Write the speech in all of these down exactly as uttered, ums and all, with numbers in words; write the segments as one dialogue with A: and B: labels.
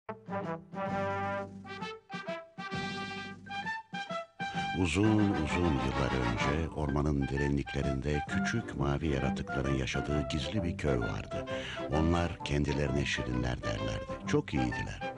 A: Uzun uzun yıllar önce ormanın derinliklerinde küçük mavi yaratıkların yaşadığı gizli bir köy vardı. Onlar kendilerine şirinler derlerdi. Çok iyiydiler.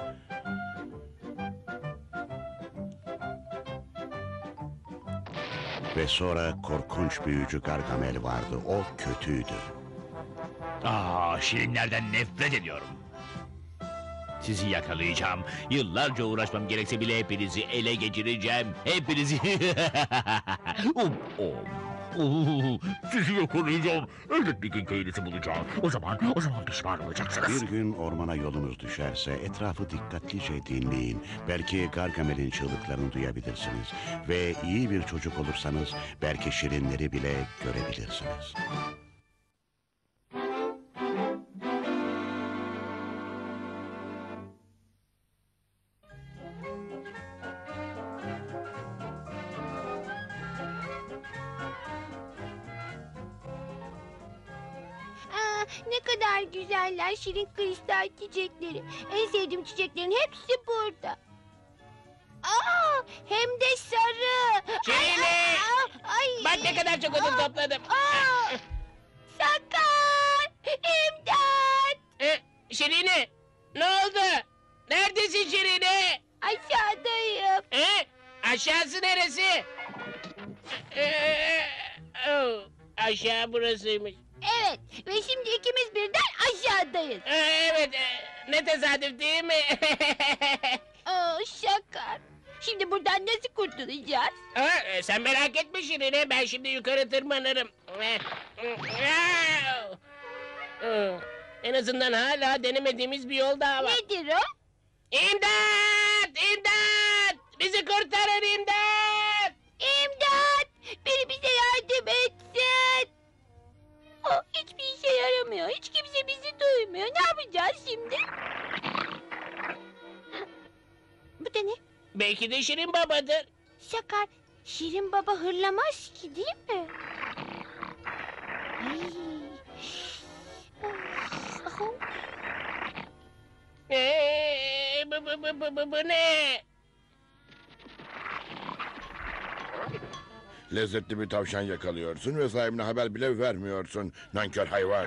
A: Ve sonra korkunç büyücü Gargamel vardı. O kötüydü.
B: Aa, şirinlerden nefret ediyorum. Sizi yakalayacağım. Yıllarca uğraşmam gerekse bile hepinizi ele geçireceğim. Hepinizi... um, um. Uh, sizi yakalayacağım. Elbet bir gün köyünüzü bulacağım. O zaman, o zaman pişman olacaksınız.
A: Bir gün ormana yolunuz düşerse etrafı dikkatlice dinleyin. Belki Gargamel'in çığlıklarını duyabilirsiniz. Ve iyi bir çocuk olursanız belki şirinleri bile görebilirsiniz.
C: Aa, ne kadar güzeller şirin kristal çiçekleri. En sevdiğim çiçeklerin hepsi burada. Aa, hem de sarı.
D: Şirin!
C: Ay, ay,
D: Bak ne kadar çok odun
C: Aa,
D: topladım.
C: Aa, Sakar! İmdat!
D: Ee, Şirin'e ne oldu? Neredesin Şirin'e?
C: Aşağıdayım.
D: Ee, aşağısı neresi? Ee, oh, aşağı burasıymış.
C: Evet ve şimdi ikimiz birden aşağıdayız.
D: Ee, evet, e, ne tesadüf değil mi?
C: Aa, Sakar. Şimdi buradan nasıl kurtulacağız?
D: Aa, e, sen merak etme Şirin'e, ben şimdi yukarı tırmanırım. Ee, ee, En azından hala denemediğimiz bir yol daha var.
C: Nedir o?
D: İmdat! İmdat! Bizi kurtarın imdat!
C: İmdat! Biri bize yardım etsin. Oh, hiçbir işe yaramıyor. Hiç kimse bizi duymuyor. Ne yapacağız şimdi? Bu da ne?
D: Belki de Şirin babadır.
C: Sakar, Şirin Baba hırlamaz ki değil mi? Ay. Oh.
D: Ee, bu, bu, bu, bu, bu, bu ne?
E: Lezzetli bir tavşan yakalıyorsun ve sahibine haber bile vermiyorsun. Nankör hayvan.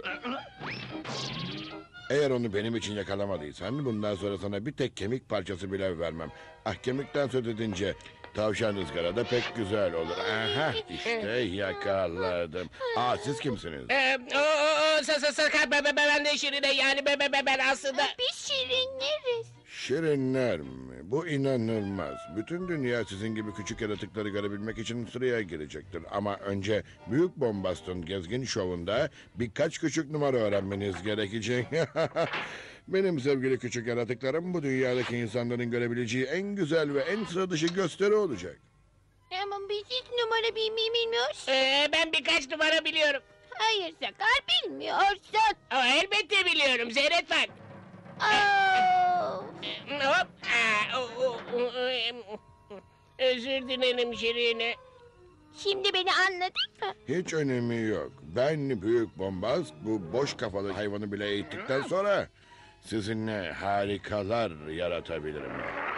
E: Eğer onu benim için yakalamadıysan bundan sonra sana bir tek kemik parçası bile vermem. Ah, kemikten söz edince tavşan ızgarada pek güzel olur. Aha, işte yakaladım. Aa, siz kimsiniz?
D: Ee, o, o, o, sa, sa, sakar, be, be, ben de Şirin'e, yani be, be, be, ben aslında...
C: Biz şirinleriz.
E: Şirinler mi? Bu inanılmaz. Bütün dünya sizin gibi küçük yaratıkları görebilmek için sıraya girecektir. Ama önce Büyük Bombast'ın gezgin şovunda birkaç küçük numara öğrenmeniz gerekecek. Benim sevgili küçük yaratıklarım bu dünyadaki insanların görebileceği en güzel ve en sıra dışı gösteri olacak.
C: Ama biz hiç numara bilmeyi bilmiyoruz.
D: Ee, ben birkaç numara biliyorum.
C: Hayır Sakar, bilmiyorsun.
D: Ama elbette biliyorum, Zeyret bak.
C: Oh.
D: Ee, Hop. Aa, o, o, o, em, özür dilerim Şirin'e.
C: Şimdi beni anladın mı?
E: Hiç önemi yok. Ben Büyük Bombast bu boş kafalı hayvanı bile eğittikten sonra sizinle harikalar yaratabilirim.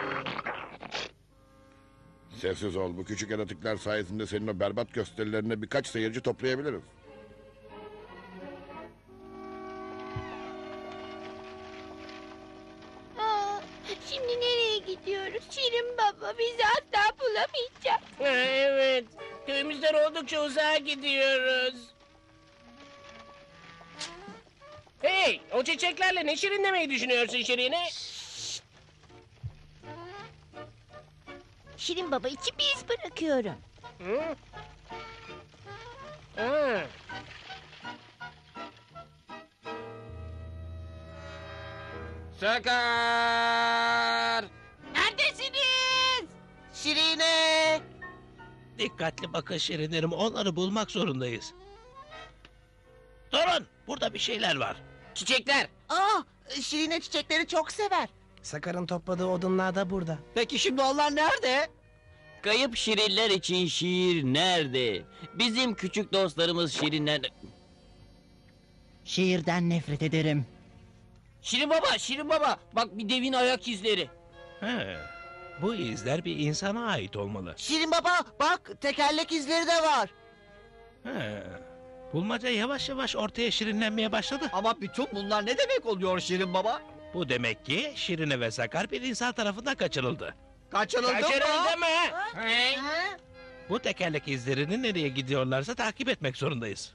E: Sessiz ol. Bu küçük yaratıklar sayesinde senin o berbat gösterilerine birkaç seyirci toplayabiliriz.
C: Aa, şimdi nereye gidiyoruz? Şirin Baba bizi asla bulamayacak.
D: Ha, evet, köyümüzden oldukça uzağa gidiyoruz. Hey, o çiçeklerle ne şirinlemeyi düşünüyorsun Şirin'e?
C: Şirin Baba için bir iz bırakıyorum.
D: Hı? Ha.
F: Sakar!
C: Neredesiniz?
F: Şirine!
G: Dikkatli bakın şirinlerim, onları bulmak zorundayız. Durun, burada bir şeyler var.
D: Çiçekler.
F: Aa, Şirine çiçekleri çok sever.
H: Sakar'ın topladığı odunlar da burada.
F: Peki şimdi onlar nerede?
I: Kayıp şirinler için şiir nerede? Bizim küçük dostlarımız şirinler...
H: Şiirden nefret ederim.
I: Şirin baba, Şirin baba. Bak bir devin ayak izleri.
G: He, bu izler bir insana ait olmalı.
F: Şirin baba bak tekerlek izleri de var.
G: He, bulmaca yavaş yavaş ortaya şirinlenmeye başladı.
J: Ama bütün bunlar ne demek oluyor Şirin Baba?
G: Bu demek ki Şirine ve Sakar bir insan tarafından kaçırıldı.
J: Kaçırıldı mı?
D: Kaçırıldı mı? He?
G: Bu tekerlek izlerini nereye gidiyorlarsa takip etmek zorundayız.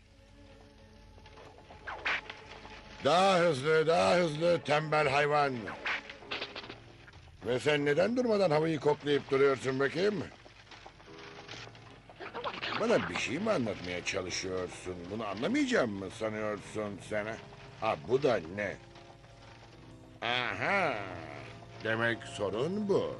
E: Daha hızlı, daha hızlı tembel hayvan. Ve sen neden durmadan havayı koklayıp duruyorsun bakayım? Bana bir şey mi anlatmaya çalışıyorsun? Bunu anlamayacağım mı sanıyorsun sen? ha? Ha bu da ne? Aha! Demek sorun bu.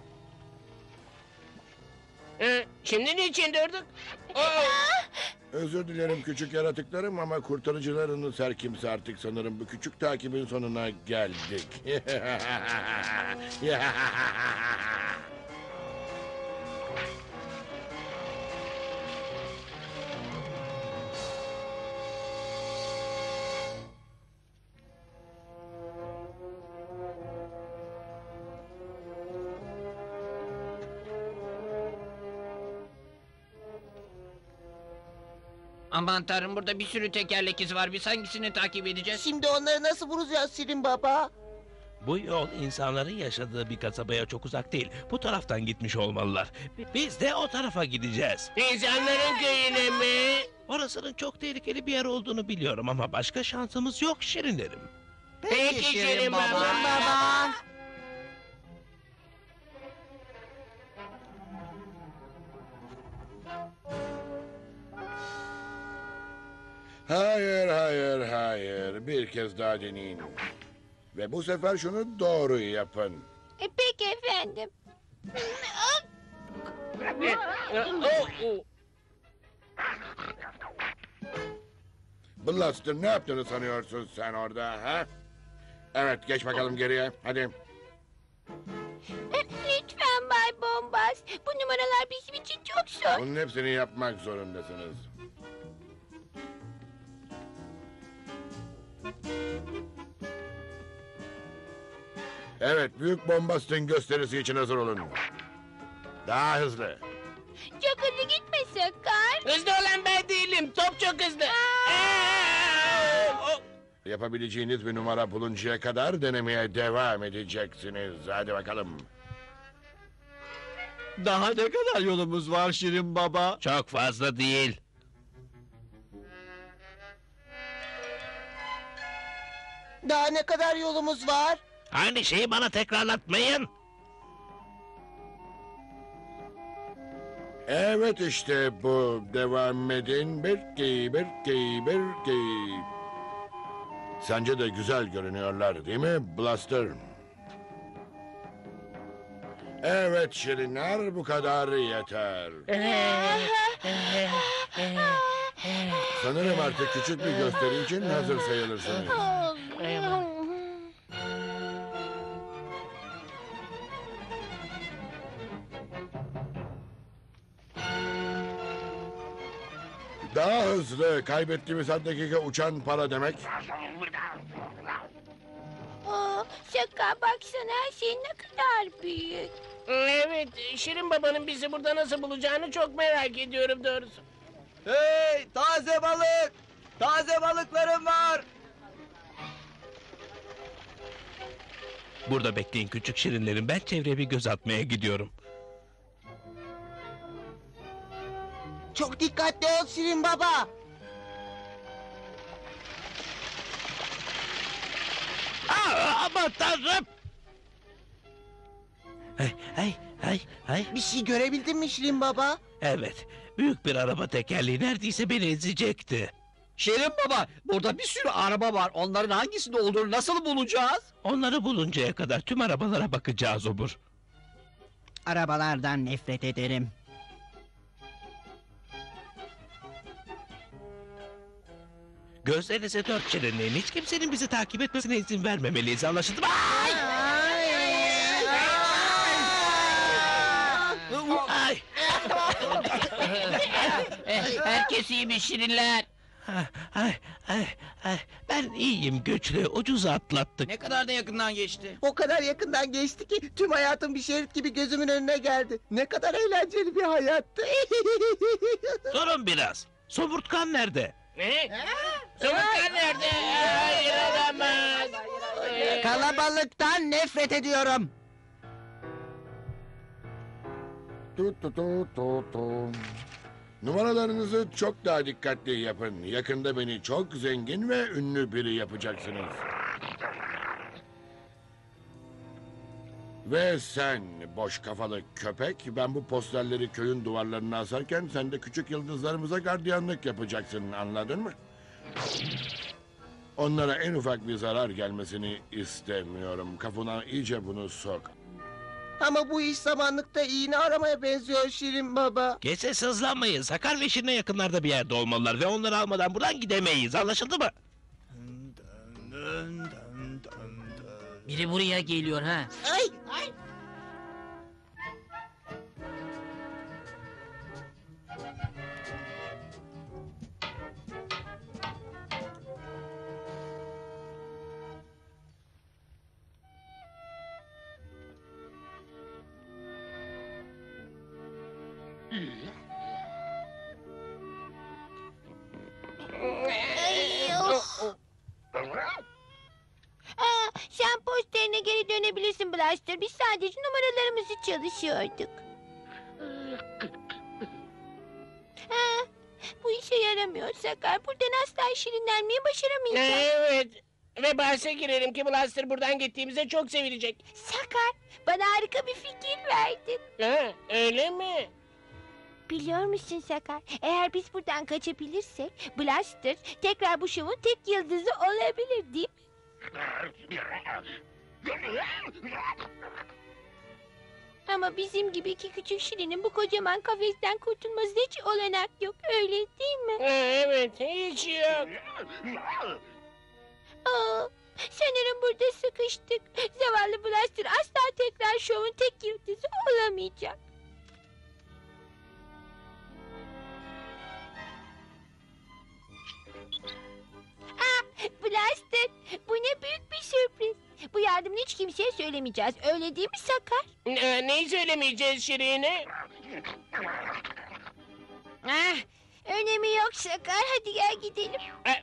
D: He, Şimdi niçin durduk? Oo!
E: Özür dilerim küçük yaratıklarım ama kurtarıcılarınız her kimse artık sanırım bu küçük takibin sonuna geldik.
I: Aman tanrım, burada bir sürü tekerlek izi var. Biz hangisini takip edeceğiz?
F: Şimdi onları nasıl bulacağız Şirin baba?
G: Bu yol insanların yaşadığı bir kasabaya çok uzak değil. Bu taraftan gitmiş olmalılar. Biz de o tarafa gideceğiz.
D: İnsanların köyüne mi?
G: Orasının çok tehlikeli bir yer olduğunu biliyorum ama başka şansımız yok şirinlerim.
D: Peki Şirin Baba.
F: Baba.
E: Hayır, hayır, hayır. Bir kez daha deneyin. Ve bu sefer şunu doğru yapın.
C: E, peki efendim.
D: Oo, oo.
E: Blaster ne yaptığını sanıyorsun sen orada ha? Evet geç bakalım geriye hadi.
C: E, Lütfen Bay Bombas. Bu numaralar bizim için çok zor.
E: Bunun hepsini yapmak zorundasınız. Evet büyük bombastın gösterisi için hazır olun. Daha hızlı.
C: Çok hızlı gitme Sakar.
D: Hızlı olan ben değilim. Top çok hızlı. Aa! Oo!
E: Yapabileceğiniz bir numara buluncaya kadar denemeye devam edeceksiniz. Hadi bakalım.
J: Daha ne kadar yolumuz var Şirin Baba?
G: Çok fazla değil.
F: Daha ne kadar yolumuz var?
G: Aynı şeyi bana tekrarlatmayın.
E: Evet işte bu. Devam edin. Birki, birki, birki. Sence de güzel görünüyorlar değil mi Blaster? Evet Şirinler bu kadar yeter. Sanırım artık küçük bir gösteri için hazır sayılırsınız. Daha hızlı. Kaybettiğimiz her dakika uçan para demek.
C: Aa, Sakar baksana her şey ne kadar büyük.
D: Evet, Şirin Baba'nın bizi burada nasıl bulacağını çok merak ediyorum doğrusu.
J: Hey taze balık! Taze balıklarım var!
G: Burada bekleyin küçük şirinlerim. Ben çevreye bir göz atmaya gidiyorum.
F: Çok dikkatli ol Şirin baba.
G: Aa, aman tanrım! Hey, hey, hey, hey.
F: Bir şey görebildin mi Şirin baba?
G: Evet, büyük bir araba tekerleği neredeyse beni ezecekti.
J: Şirin Baba, burada bir sürü araba var. Onların hangisinde olduğunu nasıl bulacağız?
G: Onları buluncaya kadar tüm arabalara bakacağız obur.
F: Arabalardan nefret ederim.
G: Gözlerinize dört şirinleyin. Hiç kimsenin bizi takip etmesine izin vermemeliyiz. Anlaşıldı mı? Ay! Ay!
I: Herkes iyi mi Şirinler?
G: Ay, ay, ay, ay. Ben iyiyim, güçlü, ucuz atlattık.
J: Ne kadar da yakından geçti.
F: O kadar yakından geçti ki tüm hayatım bir şerit gibi gözümün önüne geldi. Ne kadar eğlenceli bir hayattı.
G: Durun biraz. Somurtkan nerede?
D: Ne? Somurtkan nerede? Hayır olamaz.
F: Kalabalıktan nefret ediyorum.
E: Tu tu tu tu tu. Numaralarınızı çok daha dikkatli yapın. Yakında beni çok zengin ve ünlü biri yapacaksınız. Ve sen boş kafalı köpek, ben bu posterleri köyün duvarlarına asarken sen de küçük yıldızlarımıza gardiyanlık yapacaksın, anladın mı? Onlara en ufak bir zarar gelmesini istemiyorum. Kafana iyice bunu sok.
F: Ama bu iş samanlıkta iğne aramaya benziyor Şirin Baba.
G: Gece sızlanmayın. Sakar ve Şirin'e yakınlarda bir yerde olmalılar ve onları almadan buradan gidemeyiz. Anlaşıldı mı?
I: Biri buraya geliyor ha.
F: Ay, ay.
C: Ay, of. Aa, sen posterine geri dönebilirsin Blaster. Biz sadece numaralarımızı çalışıyorduk. Ha, bu işe yaramıyor Sakar. Buradan asla şirinlenmeyi başaramayacağız.
D: Evet. Ve bahse girelim ki Blaster buradan gittiğimizde çok sevinecek.
C: Sakar, bana harika bir fikir verdin.
D: Ha, öyle mi?
C: Biliyor musun Sakar? Eğer biz buradan kaçabilirsek Blaster tekrar bu şovun tek yıldızı olabilir değil mi? Ama bizim gibi iki küçük şirinin bu kocaman kafesten kurtulması hiç olanak yok. Öyle değil mi?
D: Ha, evet, hiç yok.
C: Aa, sanırım burada sıkıştık. Zavallı Blaster asla tekrar şovun tek yıldızı olamayacak. Ah, Blaster, bu ne büyük bir sürpriz. Bu yardımını hiç kimseye söylemeyeceğiz. Öyle değil mi Sakar?
D: Ne, neyi söylemeyeceğiz Şirin'e?
C: Ah, önemi yok Sakar. Hadi gel gidelim.
D: Ha,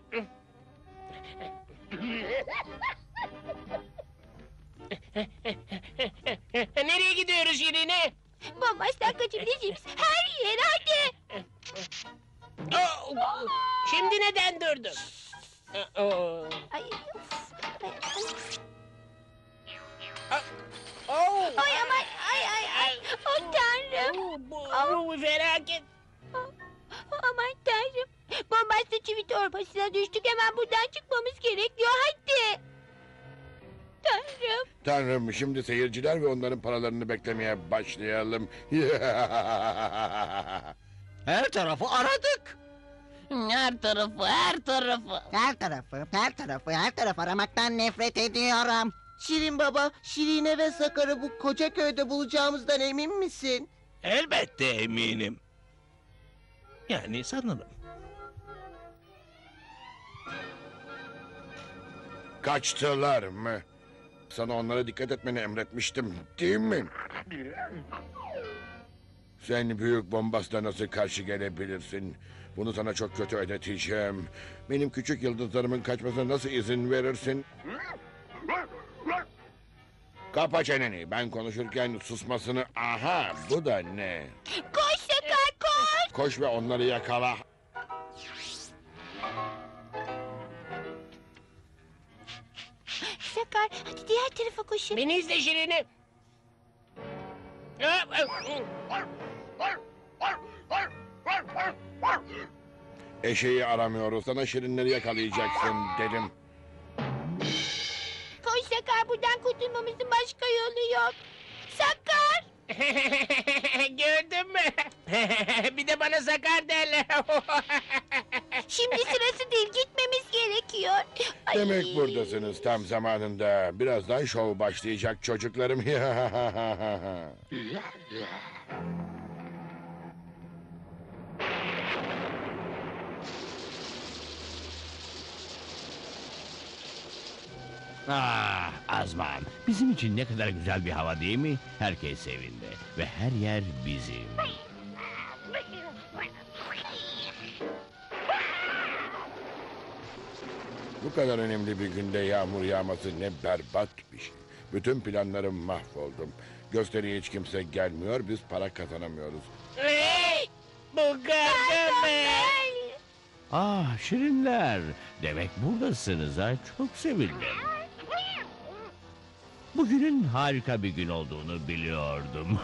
D: nereye gidiyoruz Şirin'e?
C: Bombastan kaçabileceğimiz her yer hadi.
D: Oh, şimdi neden durdun? Oh.
C: Ay, of. Ay, ay.
D: Oh.
C: Ay aman ay ay ay. Oh tanrım.
D: Bu, bu felaket.
C: Aman tanrım. Bombastan çivi torbasına düştük. Hemen buradan çıkmamız gerekiyor. Hadi. Tanrım.
E: Tanrım, şimdi seyirciler ve onların paralarını beklemeye başlayalım.
J: Her tarafı aradık.
I: Her tarafı, her tarafı.
F: Her tarafı, her tarafı, her tarafı aramaktan nefret ediyorum. Şirin Baba, Şirine ve Sakar'ı bu koca köyde bulacağımızdan emin misin?
G: Elbette eminim. Yani sanırım.
E: Kaçtılar mı? Sana onlara dikkat etmeni emretmiştim, değil mi? Sen büyük bombasla nasıl karşı gelebilirsin? Bunu sana çok kötü ödeteceğim. Benim küçük yıldızlarımın kaçmasına nasıl izin verirsin? Kapa çeneni. Ben konuşurken susmasını... Aha, bu da ne?
C: Koş Sakar koş.
E: Koş ve onları yakala.
C: Sakar hadi diğer tarafa koşun.
D: Beni izle Şirin'e.
E: Eşeği aramıyoruz. Sana şirinleri yakalayacaksın dedim.
C: Koş Sakar buradan kurtulmamızın başka yolu yok. Sakar.
D: Gördün mü? Bir de bana sakar derler.
C: Şimdi sırası değil gitmemiz gerekiyor. Ay.
E: Demek buradasınız tam zamanında. Birazdan şov başlayacak çocuklarım.
B: Ah Azman, bizim için ne kadar güzel bir hava değil mi? Herkes evinde ve her yer bizim.
E: Bu kadar önemli bir günde yağmur yağması ne berbat bir şey. Bütün planlarım mahvoldum. Gösteriye hiç kimse gelmiyor, biz para kazanamıyoruz.
D: Hey! Bu Gargamel!
B: Ah şirinler, demek buradasınız ha, çok sevindim. Bugünün harika bir gün olduğunu biliyordum.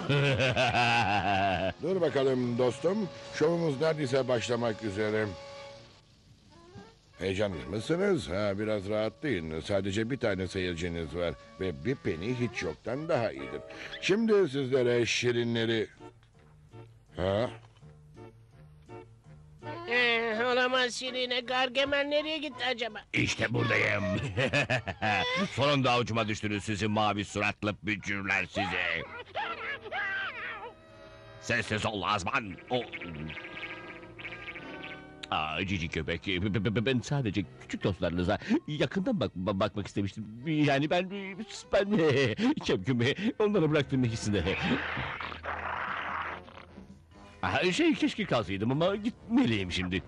E: Dur bakalım dostum, şovumuz neredeyse başlamak üzere. Heyecanlı mısınız? Ha, biraz rahatlayın. Sadece bir tane seyirciniz var ve bir peni hiç yoktan daha iyidir. Şimdi sizlere şirinleri... Ha?
D: Ee, olamaz Şirine. Gargamel nereye gitti acaba?
B: İşte buradayım. Sonunda avucuma düştünüz sizi mavi suratlı bücürler sizi. Sessiz ol Azman. O... Aa, cici köpek. B- b- b- Ben sadece küçük dostlarınıza yakından bak ba- bakmak istemiştim. Yani ben ben Şevküm'ü onlara bıraktım ikisini. Aa, şey keşke kalsaydım ama gitmeliyim şimdi.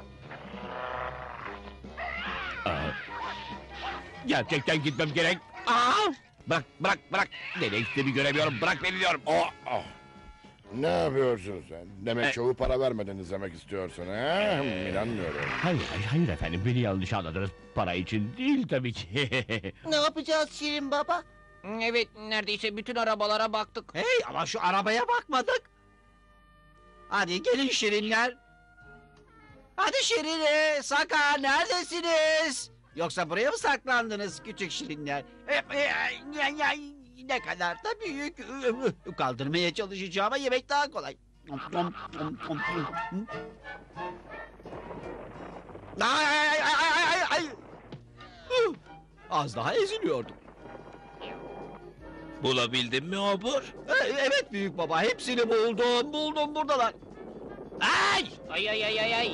B: Aa, gerçekten gitmem gerek. Aa, bırak bırak bırak. Nereye gittiğimi göremiyorum. Bırak beni diyorum.
E: Oh, oh. Ne yapıyorsun sen? Demek
B: E-
E: şovu para vermeden izlemek istiyorsun ha? Hmm, İnanmıyorum.
B: Hayır, hayır, hayır efendim. Beni yanlış anladınız. Para için değil tabii ki.
F: Ne yapacağız Şirin Baba?
J: Evet, neredeyse bütün arabalara baktık.
K: Hey ama şu arabaya bakmadık. Hadi gelin şirinler. Hadi Şirine, Sakar neredesiniz? Yoksa buraya mı saklandınız küçük şirinler? E, e, ya- ya- Ne kadar da büyük. Kaldırmaya çalışacağıma yemek daha kolay. Ay, ay, ay, ay, ay, ay. Huh, Az daha eziliyordum.
G: Bulabildin mi obur?
K: E, Evet büyük baba, hepsini buldum, buldum buradalar. Ay!
D: Ay ay ay ay ay.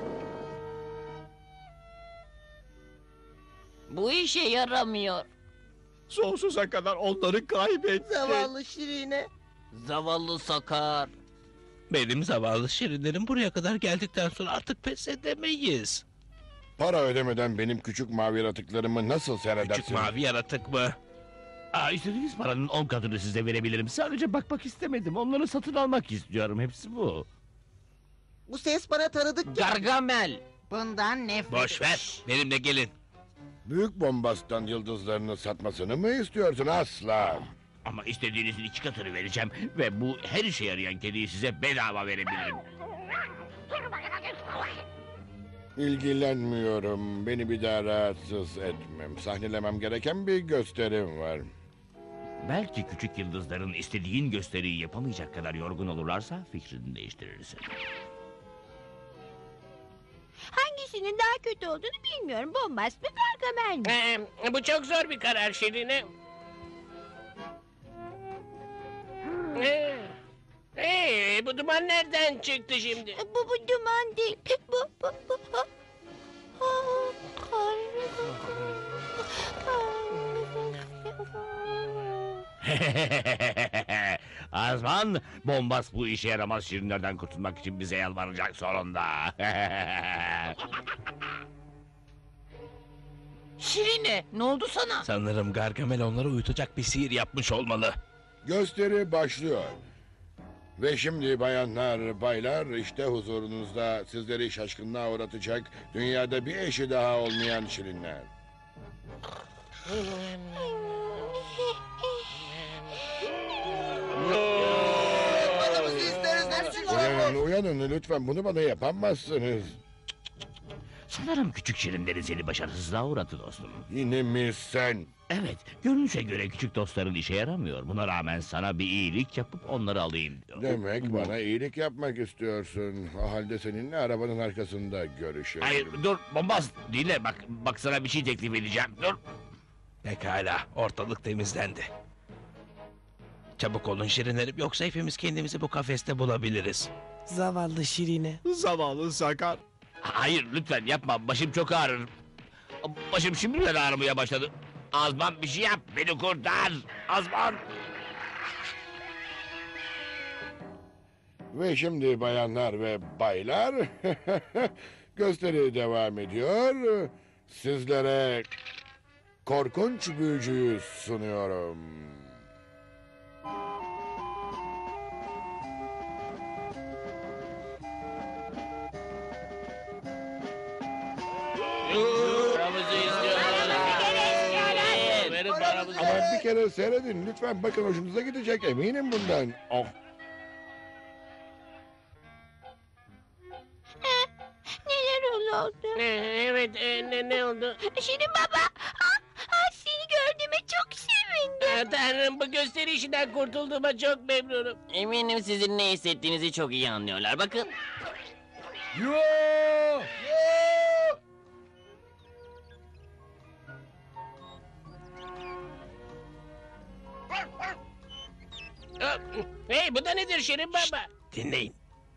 I: Bu işe yaramıyor.
K: Sonsuza kadar onları kaybettim.
F: Zavallı Şirine.
I: Zavallı Sakar.
G: Benim zavallı şirinlerim buraya kadar geldikten sonra artık pes edemeyiz.
E: Para ödemeden benim küçük mavi yaratıklarımı nasıl seyredersin?
G: Küçük mavi yaratık mı?
B: Aa, istediğiniz paranın on katını size verebilirim. Sadece bakmak istemedim. Onları satın almak istiyorum. Hepsi bu.
F: Bu ses bana tanıdık ki.
I: Gargamel.
F: Bundan nefret.
G: Boş ver, benimle gelin.
E: Büyük bombastan yıldızlarını satmasını mı istiyorsun? Asla.
B: Ama istediğinizin iki katını vereceğim. Ve bu her işe yarayan kediyi size bedava verebilirim.
E: İlgilenmiyorum. Beni bir daha rahatsız etmem. Sahnelemem gereken bir gösterim var.
B: Belki küçük yıldızların istediğin gösteriyi yapamayacak kadar yorgun olurlarsa fikrini değiştirirsin.
C: Hangisinin daha kötü olduğunu bilmiyorum. Bombast mı Gargamel mi?
D: Ee, bu çok zor bir karar Şirine. Ee, ee, bu duman nereden çıktı şimdi?
C: Bu bu duman değil. Bu bu bu. Ah,
B: Azman, bombas bu işe yaramaz şirinlerden kurtulmak için bize yalvaracak sonunda.
I: Şirine, ne oldu sana?
G: Sanırım Gargamel onları uyutacak bir sihir yapmış olmalı.
E: Gösteri başlıyor. Ve şimdi bayanlar, baylar, işte huzurunuzda sizleri şaşkınlığa uğratacak dünyada bir eşi daha olmayan şirinler.
F: Paramızı isteriz hepsi
E: Uyanın, uyanın lütfen, bunu bana yapamazsınız.
B: Sanırım küçük şirinlerin seni başarısızlığa uğradı dostum.
E: Yine mi sen?
B: Evet, görünüşe göre küçük dostların işe yaramıyor. Buna rağmen sana bir iyilik yapıp onları alayım diyor.
E: Demek bana iyilik yapmak istiyorsun. O halde seninle arabanın arkasında görüşelim.
B: Hayır, dur, bombas dinle, bak, bak sana bir şey teklif edeceğim, dur.
G: Pekala, ortalık temizlendi. Çabuk olun şirinlerim, yoksa hepimiz kendimizi bu kafeste bulabiliriz.
H: Zavallı Şirine.
K: Zavallı Sakar.
B: Hayır, lütfen yapma, başım çok ağrır. Başım şimdiden ağrımaya başladı. Azman bir şey yap, beni kurtar. Azman.
E: Ve şimdi bayanlar ve baylar, gösteri devam ediyor. Sizlere korkunç büyücüyü sunuyorum.
D: Paramızı istiyorlar. Verin paramızı.
E: Ama bir kere seyredin lütfen, bakın hoşunuza gidecek, eminim bundan. Oh.
C: Neler oldu?
D: Ee, Evet, e, ne, ne oldu?
C: Şirin baba. Ah, ah, seni gördüğüme çok sevindim.
D: Aa, Tanrım, bu gösteri işinden kurtulduğuma çok memnunum.
I: Eminim sizin ne hissettiğinizi çok iyi anlıyorlar. Bakın.
D: Aa, Hey, bu da nedir Şirin Baba?
G: Dinleyin.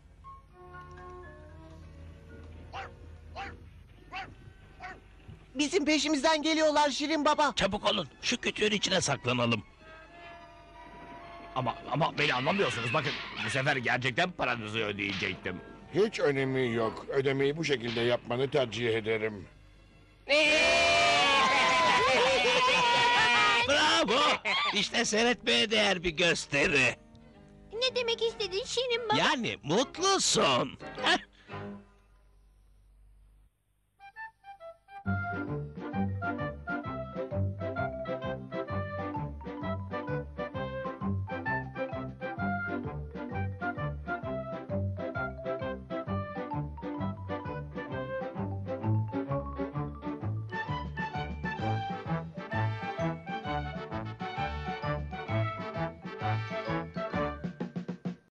F: Bizim peşimizden geliyorlar Şirin Baba.
G: Çabuk olun. Şu kütüğün içine saklanalım.
B: Ama ama beni anlamıyorsunuz. Bakın, bu sefer gerçekten paranızı ödeyecektim.
E: Hiç önemi yok. Ödemeyi bu şekilde yapmanı tercih ederim.
G: Bravo. İşte seyretmeye değer bir gösteri.
C: Ne demek istedin Şirin baba?
G: Yani mutlusun. Heh.